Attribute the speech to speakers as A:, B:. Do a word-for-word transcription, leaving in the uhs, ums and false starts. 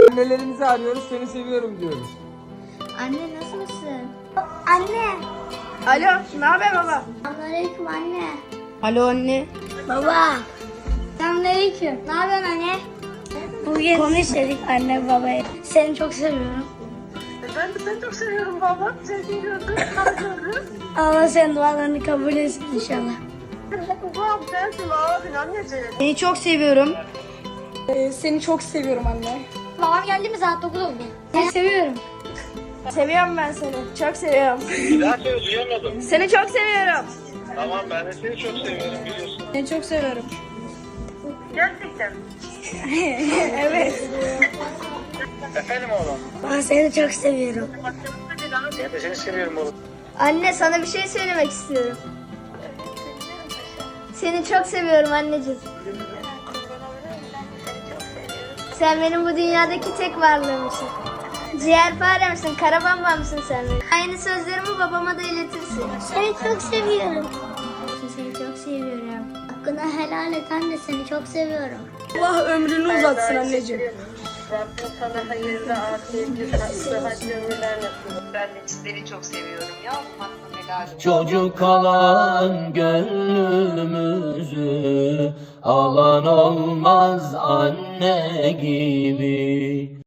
A: Annelerimizi arıyoruz, seni seviyorum diyoruz.
B: Anne nasılsın? Anne.
C: Alo, ne haber baba?
B: Selamünaleyküm anne.
C: Alo anne.
B: Baba. Selamünaleyküm. Ne yapıyorsun anne? Bugün konuş dedik anne babaya. Seni çok seviyorum.
C: Ben de seni çok seviyorum baba. Seni seviyordum, tanışıyordum.
B: Allah senin dualarını kabul etsin inşallah.
C: Babam sensin abin anneciğim.
D: Seni çok seviyorum.
C: Ee, seni çok seviyorum anne.
B: Babam geldi mi saat dokuz oldu. Seni seviyorum.
C: Seviyorum ben seni. Çok seviyorum.
E: Bir daha söyle, duyamadım.
C: Seni çok seviyorum.
E: Tamam, ben de seni çok seviyorum biliyorsun.
C: Seni çok seviyorum.
E: Gerçekten.
C: Evet.
E: Efendim oğlum.
B: Ben seni çok seviyorum.
E: Ben de seni seviyorum oğlum.
C: Anne sana bir şey söylemek istiyorum. Seni çok seviyorum anneciğim. Sen benim bu dünyadaki tek varlığımsın. Ciğerparemsin, karabambamsın sen benim. Aynı sözlerimi babama da iletirsin.
B: Seni çok seviyorum. Seni çok seviyorum. Hakkını helal et anne, seni çok seviyorum.
C: Allah ömrünü uzatsın anneciğim.
F: Rabbim sana hayırlı, afiyetli, sıhhatli ömürler nasip. Ben de sizleri çok seviyorum ya. Hakkım helal olsun.
G: Çocuk alan gönlümüzü alan olmaz anne gibi.